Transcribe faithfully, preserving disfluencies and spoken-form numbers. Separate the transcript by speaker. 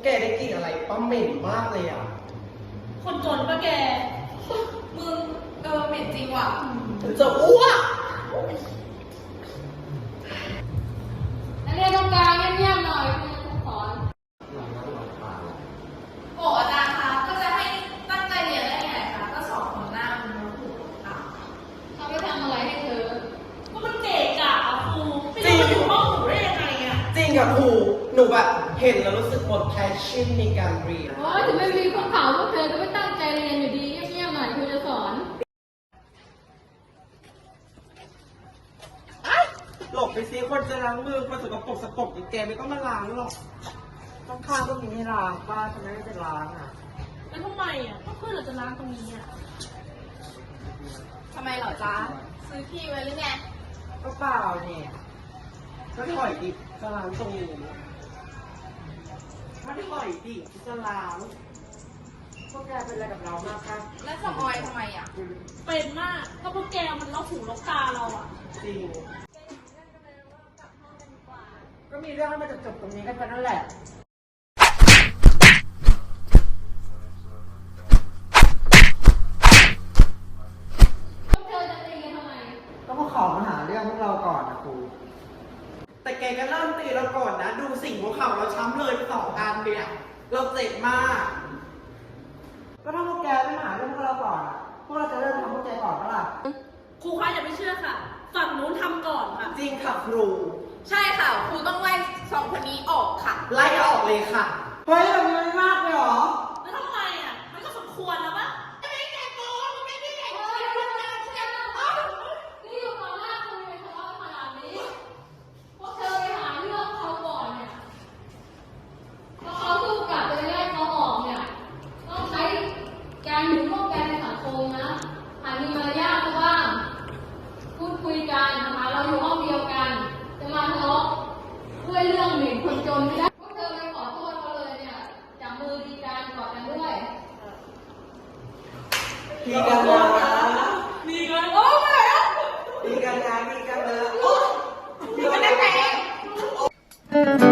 Speaker 1: แกได้กลิ่นอะไรป้าเหม็นมากเลยอ่ะ
Speaker 2: คนจนปะแกมึงเออเหม็นจริงว่ะ
Speaker 1: จะอ้วก
Speaker 3: นักเรียนตรงกลางเงียบๆหน่อยคุณครูสอน
Speaker 2: โอ้อาจารย์คะก็จะให้ตั้งใจเรียนได้ไงคะก็สอบของหน้ามันมาถูกอ่ะ
Speaker 3: เขาไปทำอะไรให้เธอ
Speaker 2: ก็มันเกะกะอ่ะครูไม่รู้มาอยู่ห้องหนูได้ยังไงอ่ะ
Speaker 1: จริงกับครูหนูแบบเห็นแล้วรู้สึกหมดแพชชั่นในการเรียน
Speaker 3: โอ้ยถึงไม่มีคนเผาพวกเธอก็ไม่ตั้งใจเรียนอยู่ดีเงียบๆหน่อยครูจะสอน
Speaker 1: หลบไปซิคนจะล้างมือคนสกปรกสกปรกแกไม่ต้องมาล้างหรอกต้องข้างก็มีให้ล้างป้าทำไมไม่จะล้างอ่ะ
Speaker 2: แล้วทำไมอ่ะก็เพื่อนเราจะล้างตรงนี้อ่ะทำไมเหรอจ๊ะซื้อที่ไว้หรือไง
Speaker 1: ก็เปล่าเนี่ยก็ถอยดิจะล้างตรงนี้ถ้าถอยดิจะล้างพวกแกเป็นอะไรกับเรามากคะ
Speaker 2: แล้วสมอยทำไมอ่ะเป็นมากก็พวกแกมันล็อกหูล็อกตาเราอ่ะ
Speaker 1: จริงก็มีเรื่องให้มาจบๆตรงนี้กันนั่นแหละ
Speaker 3: พวกเธอจะตีกันทำไม
Speaker 1: ก็มาขอมาหาเรื่องพวกเราก่อนนะครูแต่แกก็เริ่มตีเราก่อนนะดูสิ่งหัวเข่าเราช้ำเลยสองอันเนี่ยเราเจ็บมากก็ถ้าพวกแกไม่หาเรื่องพวกเราก่อนอ่ะพวกเราจะเริ่มทำพวกแกก่อนปะล่ะ
Speaker 2: ครูคะอย่าไปเชื่อค่ะฝั่งนู้นทำก่อนค่ะ
Speaker 1: จริงค่ะครู
Speaker 2: ใช่ค่ะครูต้องไล่สองคนนี้ออกค่ะ
Speaker 1: ไล่ออกเลยค่ะเฮ้ยแบบนี้มันมากเลยเหรอ
Speaker 2: แล้วทำไมอ่ะมันก็สมควรแล้วปะไม่ได้แก่โกงไม่ได้แก่โกง
Speaker 3: นี่อยู่ต่อหน้าครูเลยทะเลาะขนาดนี้พวกเธอไปหาเรื่องเขาก่อนเนี่ยพอเขาสู้กลับจะไล่เขาออกเนี่ยต้องใช้การอยู่ร่วมกันในสังคมนะหามีมารยาทบ้างพูดคุยกันนะคะเราอยู่ห้องเดียวกันจะมาทะเลาะด้วยเรื่องหมิ่นคนจนไม่ได้พวกเธอไปขอโทษเขาเลยเนี่ยจับมือดีกันกอดกันด้วย
Speaker 1: ดีกันนะ
Speaker 2: ดีกันโอ้ย
Speaker 1: ดีกันนะดีกันนะ
Speaker 2: ดีกันนะแก